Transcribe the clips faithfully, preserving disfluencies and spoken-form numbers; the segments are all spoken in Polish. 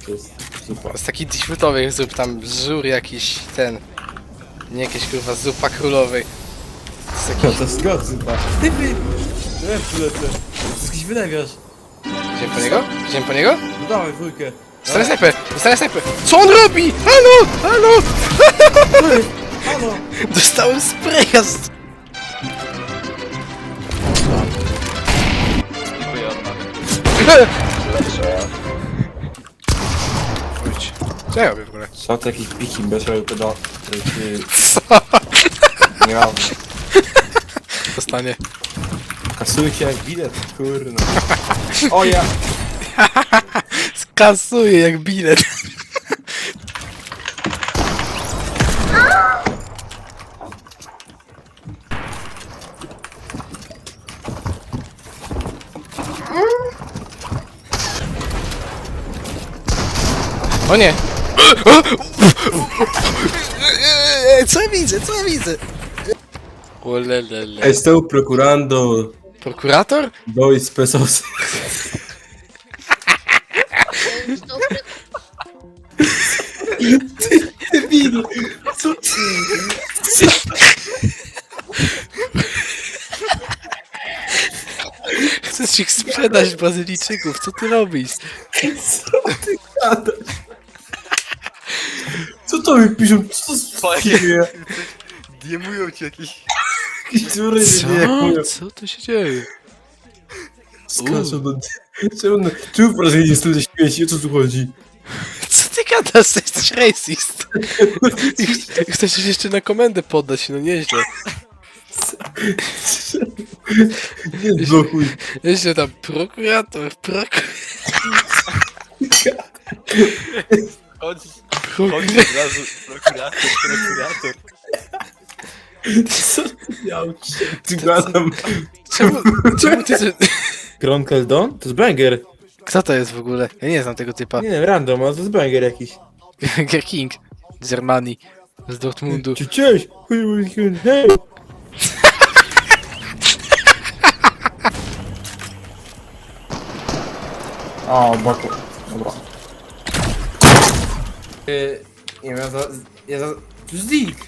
To jest super. Z takich defaultowych zup, tam żur jakiś, ten... Nie jakieś kurwa zupa królowej. To jest No jakiś... to jest god zupa. Ty wy... Lepszy lecę. To jest jakiś wylewiarz. Idziemy po niego? Idziemy po niego? No dawaj dwójkę. Dostanę snajper! Dostanę snajper! Co on robi? Halo! Halo! Halo! Dostałem spraya z... Dziękuję od mamy. Wróć. Co ja robię w ogóle? Co to jakiś piki bezrowy pedał, który ci Co? nie mam. Dostanie. Kasuje się jak bilet, kurno. O ja! Skasuje jak bilet. O nie! Co ja widzę? Co ja widzę? Olelele. Estou procurando Prokurator? dois pesos. Ty, debilu! Co ty? Chcesz ich sprzedać Brazylijczyków, co ty robisz? Co ty gadasz? Co to mi piszą? Co to dzieje? Diemują ci jakiś... Jakieś dziury nie Co? Co tu się dzieje? Skaczą do... Czemu, na- czemu w Brazylii jest tyle śmieci? O co tu chodzi? Co ty gadasz? Jesteś racist. I chcesz się jeszcze na komendę poddać, no nieźle. Nie blokuj. Nieźle tam prokurator, prokurator. Chodź, chodź Prokurator. od razu. Prokurator, prokurator. Co ty miał? Ty gadam. Czemu, czemu ty... Kronkel Don? To jest banger. Kto to jest w ogóle? Ja nie znam tego typa. Nie wiem, random, ale to jest banger jakiś. Ger King z Germanii, z Dortmundu. Cie- Cześć! Hej! O, boku. Dobra. Yy, nie wiem, ja za... Ja za... To jest Zik!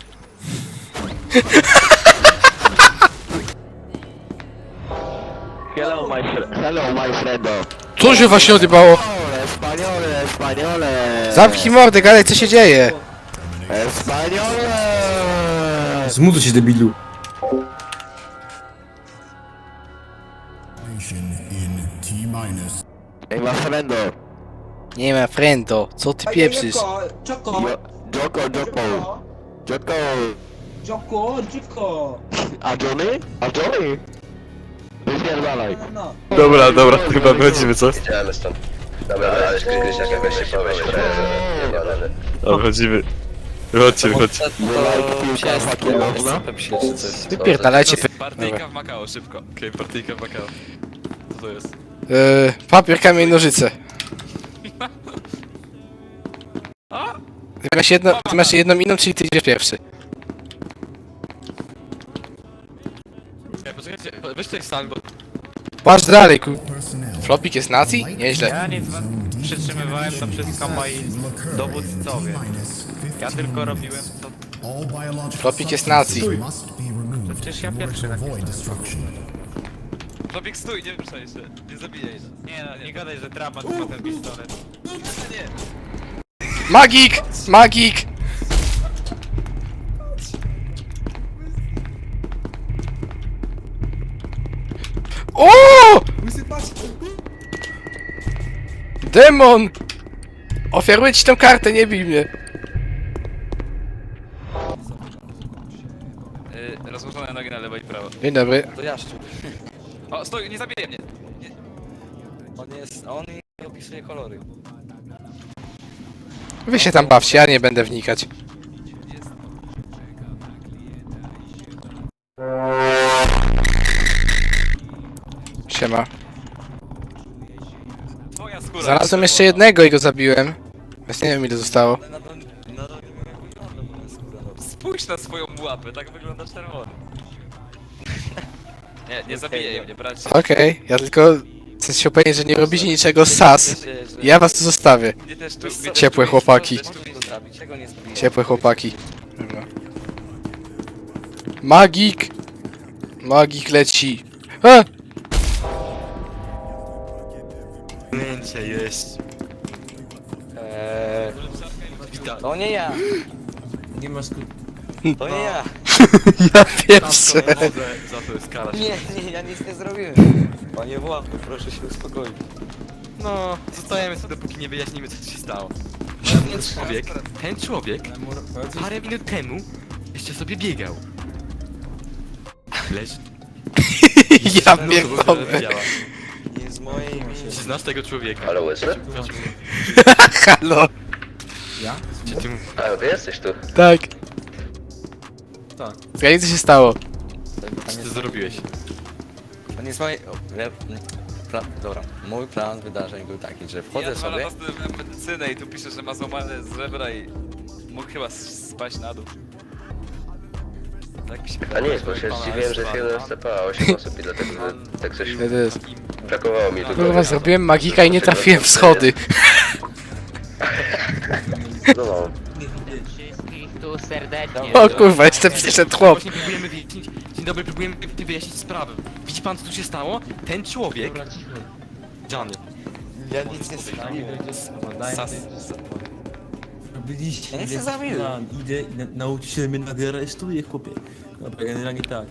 Hello my friend. Hello my friendo. Co się właśnie odjebało? Españole, españole. Zamknij mordę, gadaj, co się dzieje? Españole. Zmutuj się, debilu. In T minus. Ej, ma friendo. Nie ma friendo, co ty pieprzysz? Joko, Joko, Joko. Joko. Joko, Joko. A Johnny? A Johnny? Wypierdalaj. No, Dobra, dobra, chyba wychodzimy, co? Idziemy stąd. Dobra, ale Krzyś jak weź się powie, że nie. Dobra, wychodzimy. Wychodźcie, wychodźcie. Wypierdalajcie pe... Partyjka w Makao, szybko. Okej, okay, partyjka w Makao. Co to jest? Yy, papier, kamień, nożyce. Ty masz, jedno, ty masz jedną inną, czyli ty idziesz pierwszy. Ej, poczekajcie, weź tutaj sal, bo... Patrz dalej, ku... Personnel. Flopik jest nazi? Nieźle. Ja nic przytrzymywałem to wszystko moi dowódcowie. Ja tylko robiłem co... All biological Flopik jest nazi. substances must be removed Przecież ja in order pierwszy to avoid napisałem. destruction. Topik, stój, nie ruszaj się. Nie zabijaj się. Nie no, nie gadaj, że dramat ma ten pistolet. Magik! Magik! O! Demon! Ofiaruję ci tę kartę, nie bij mnie. Yy, rozłożone nogi na lewo i prawo. Dzień dobry. To jaszczu. O, stój, nie zabijaj mnie! Nie. On jest, on i opisuje kolory. Wy się tam bawcie, ja nie będę wnikać. Siema. Twoja skóra. Znalazłem jeszcze jednego i go zabiłem. Więc nie wiem ile zostało. Nadal, nadal nie wygląda, bo jest skóra. Spójrz na swoją łapę, tak wygląda czerwony. Nie, nie zabijaj mnie, bracie. Okej, ja tylko Chcę się upewnić, że nie robicie niczego sas. Ja was tu zostawię. Mnie też tu, mnie też Ciepłe tu- chłopaki. też tu- Ciepłe chłopaki. Dobra. Magik! Magik leci. A! Pamięcie jest. Eee, Witam. to nie ja, Nie masz ku... to nie ja. Ja pierwszy. Tam wodę, za to jest kara. Nie, nie, ja nic nie zrobiłem. Panie Władku, proszę się uspokoić. No, zostajemy sobie dopóki nie wyjaśnimy co się stało. Ten człowiek, ten człowiek parę minut temu jeszcze sobie biegał. Leż. Ja pierdolę. Nie z mojej Czy się. znasz tego człowieka? Halo, łysy? Halo. Ja? Czy ty mu... A, ty jesteś tu. Tak. Tak. Zgadnij co się stało. Co ty zrobiłeś? To nie z mojej... O, le... Pla... Dobra, mój plan wydarzeń był taki, że wchodzę Ja dwa sobie... lata studiowałem medycynę i tu pisze, że ma złamane żebra i mógł chyba spaść na dół. Tak się A nie, bo się zdziwiłem, że jest jeden S C P, a osiem osób i dlatego tak coś To jest. brakowało mi tu. Kurwa, zrobiłem magika i nie trafiłem w schody. No, no. Wszystkich tu serdecznie. O kurwa, jeszcze przyszedł chłop. Właśnie próbujemy wyjaśnić... Dzień dobry, próbujemy wyjaśnić sprawę. Widzi pan co tu się stało? Ten człowiek... Johnny. Ja nic nie zrobiłem. Sas... Robiliście... Ja nie chcę zabić. Idę i na, nauczyciel mnie nagle aresztuje, chłopie. Dobra, generalnie tak.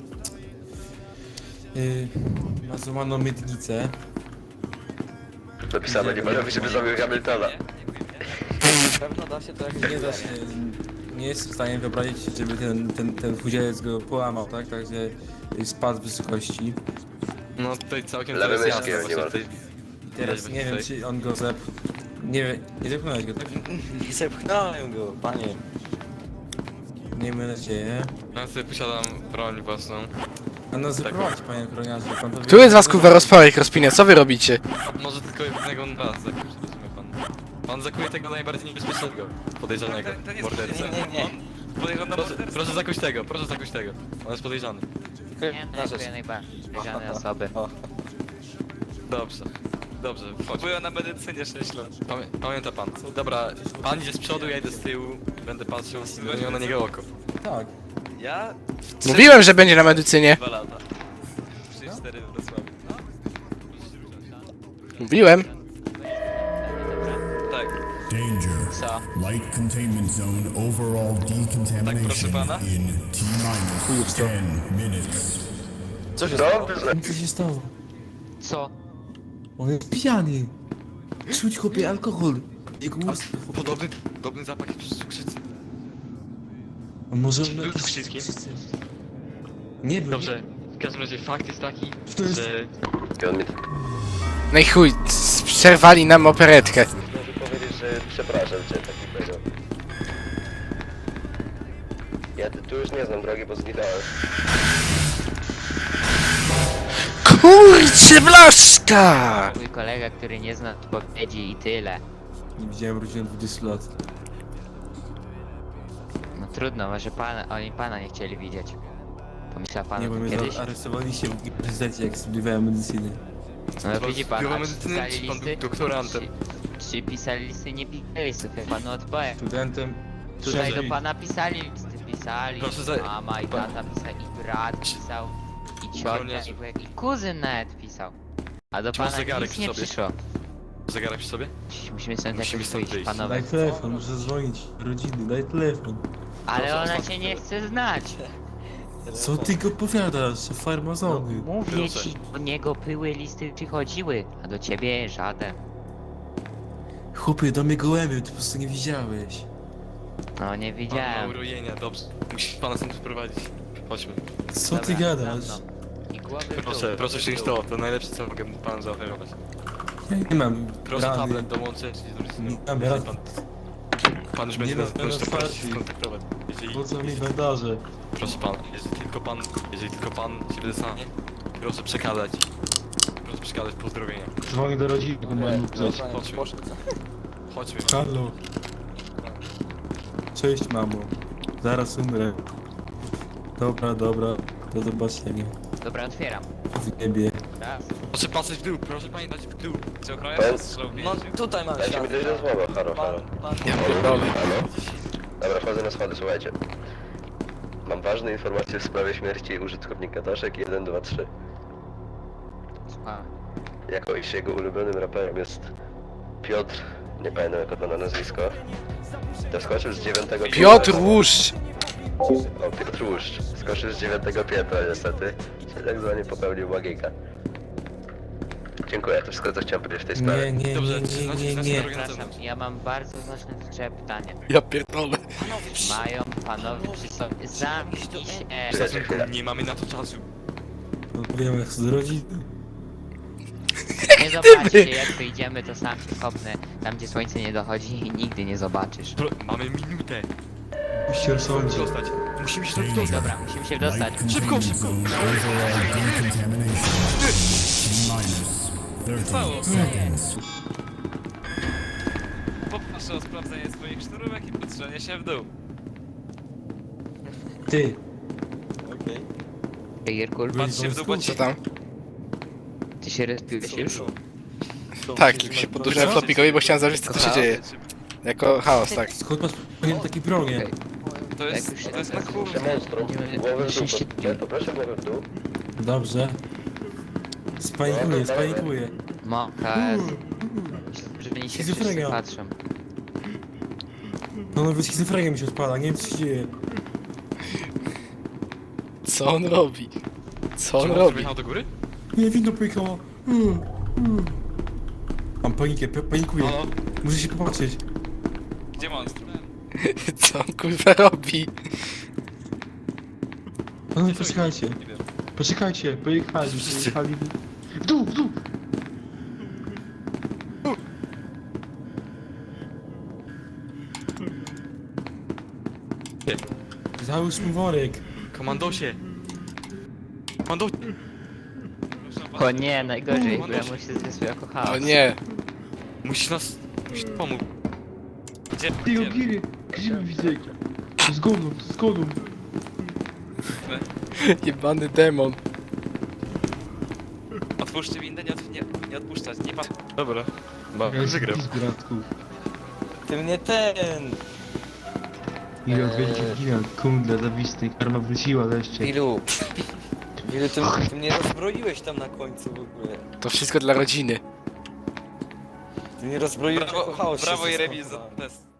Yy, ma złamaną miednicę. Napisane, nie panowie, żeby zrobił Hamiltona. Na pewno da się to jakoś Nie da się... Nie jest w stanie wyobrazić, żeby ten, ten, ten chudzielec go połamał, tak? Także y, spadł z wysokości. No tutaj całkiem Lewy to jest myszki, jasne, nie właśnie ma. tutaj... I teraz nie wiem, czy on go zep... Nie wiem, nie zepchnąłeś go, tak? Nie zepchnąłem go, panie. Miejmy nadzieję. Ja sobie posiadam broń własną. A no zaprowadź, panie ochroniarzu, pan to wie- Który z was kurwa rozporek rozpinia? Co wy robicie? Może tylko jednego was zakuć, rozumie pan. Pan zakuje tego najbardziej niebezpiecznego, podejrzanego, ten, ten jest mordercę. Nie, nie, nie. podejrzany na Proszę, morderstwo. proszę zakuć tego, proszę zakuć tego. On jest podejrzany. Nie, dziękuję najbardziej. Podejrzane osoby. O, Dobrze. Dobrze, chodź. Byłem na medycynie sześć lat. Pamię pamięta pan. Dobra, pan idzie z przodu, ja idę z tyłu. Będę patrzył, zmienił na niego oko. Tak. Ja... w Mówiłem, że będzie na medycynie. Dwa lata. trzy cztery w Wrocławiu. Mówiłem. Tak. Danger. Co? Light containment zone overall decontamination pana? in T minus ten minutes. co się No, stało? Co się stało? Co? On jest pijany. Czuć chłopie alkohol. Jego ust... Podobny, podobny zapach jak przy cukrzycy. A może... Był tu wszystkim? Nie był. Dobrze, w każdym razie fakt jest taki, To jest- że... I on mi No i chuj, c- przerwali nam operetkę. może powiedzieć, że przepraszam cię takiego. Ja tu tu już nie znam drogi, bo zginąłem. Kurczę blaszka! Mój kolega, który nie zna odpowiedzi i tyle. Nie widziałem rodziny dwudziestu lat. No trudno, może pana, oni pana nie chcieli widzieć. Pomyślał pan Nie, o bo tym mnie kiedyś? aresztowaliście w uniwersytecie, jak studiowałem medycynę. No widzi pan, Biuro a medycyny, pisali czy pan listy? był doktorantem? Czy, czy pisali listy? Nie pisali listów, ja panu odpowiem. Studentem... Tutaj Szerzej. do pana pisali listy, pisali. Proszę za- Mama i pan- tata pisali, i brat pisał, i ciocia, Żołnierzu. i wujek, i kuzyn nawet pisał. A do Czy masz pana zegarek nic przy nie sobie? przyszło. Zegarek przy sobie? Musimy stąd Musimy jakoś stąd wyjść, wyjść. panowie. Daj telefon, muszę dzwonić rodziny, daj telefon. Ale Proszę, ona ostatni cię nie telefon. chce znać. Co ty go powiadasz, farmazony? Mówię Proszę. ci, do niego były listy przychodziły, a do ciebie żaden. Chłopie, do mnie gołębie, ty po prostu nie widziałeś. No nie Pan ma widziałem. urojenia, dobrze. Musisz pana stąd wyprowadzić. Chodźmy. Co ty Dobra, gadasz? za mną. I głowy w dół. Proszę, proszę wziąć to, to najlepsze co mogę panu zaoferować. Ja nie mam Proszę rany. tablet dołączyć i Nie mam jeżeli rad. pan, pan już będzie Nie nas mam możesz to otwarci. prosić skontaktować. Jeżeli, Po co mi bandaże? proszę pana, jeżeli tylko pan, jeżeli tylko pan się wydostanie, proszę przekazać. Proszę przekazać pozdrowienia. Dzwonię do rodziny, bo mam Chodź, chodźmy. Chodźmy. Halo. Cześć mamo. Zaraz umrę. Dobra, dobra. Do zobaczenia. Dobra, otwieram. W niebie. Raz, Proszę patrzeć w dół, proszę pamiętać w dół. Czy ochroniarz Powiem- strzał No więzień? tutaj mam Dajcie mi światło. dojść do słowa, halo, halo. Pan, pan. Ja pierdolę. Halo? Dobra, wchodzę na schody, słuchajcie. Mam ważne informacje w sprawie śmierci użytkownika Daszek jeden dwa trzy. Słucham. Jako iż jego ulubionym raperem jest Piotr, nie pamiętam jak on ma na nazwisko. To skoczył z dziewiątego Piotr Łuszcz! O, Piotr Łuszcz. Skoczył z dziewiątego piętra niestety. Czyli tak zwanie popełnił magika. Dziękuję, to wszystko co chciałem powiedzieć w tej sprawie. Nie, nie, Dobrze, nie, czy nie, znacie- nie, znacie nie. drogę na Przepraszam, zewnątrz? ja mam bardzo znaczące pytanie. Ja pierdolę. Mają panowie przy sobie... Zamknij się! Czekajcie chwilę. Nie mamy na to czasu. Odpowiadam jak z rodziny. Nie zobaczycie, jak wyjdziemy, to sam się kopnę. Tam, gdzie słońce nie dochodzi i nigdy nie zobaczysz. Pro, mamy minutę. Musicie rozsądzić. Dostać. Musimy się tam dostać. Dobra, musimy się dostać. Light Szybko, containment szybko. zone overall decontamination. T-minus thirty seconds. Poproszę o sprawdzenie swoich sznurówek i patrzenie się w dół. Ty, Ej, Jerkul, Patrz się w dół, bo Co ci... tam? ty się respiłeś już? Tak, tylko się podłużyłem flopikowi, bo chciałem zobaczyć co tu się dzieje. Jako chaos, tak. skąd masz powinien taki bronię? Okej. To jest, Jak już się to jest na tak- kurwa. Monstrum, głowę w dół, proszę, poproszę głowę w dół. Dobrze. Spanikuję, spanikuję. Moka... Że oni się wszyscy Schizofrenia. patrzą. No nawet schizofrenia mi się odpala, nie wiem co się dzieje. Co on robi? Co on Czy robi? wjechał do góry? Nie, winno pojechała. Mm, mm. Mam panikę, pa- panikuję. Halo? Muszę się popatrzeć. Gdzie monstrum? Co on kurwa robi? No poczekajcie. Nie wiem. Poczekajcie, pojechali, pojechali. W dół, w dół! Załóż mi worek. Komandosie. Komando... O nie, najgorzej, bo ja mu się zwiesł jako chaos. O nie. Musisz nas... Musisz pomóc. Gdzie? Ty, Gdzie? Ogiry, grzyby widzę. Zgoną, zgoną. Jebany demon. Otwórzcie windę, nie, od, nie, nie odpuszczać, nie pan... Dobra. Ba, wygrał. Bratku. Ty mnie ten. Gigant, wielki gigant, kundla, zawisty, karma wróciła wreszcie. Ilu. Ilu ty, ty mnie rozbroiłeś tam na końcu w ogóle. To wszystko dla rodziny. Ty mnie rozbroiłeś Brawo, jako chaos się brawo i zastanawiam. remis za test.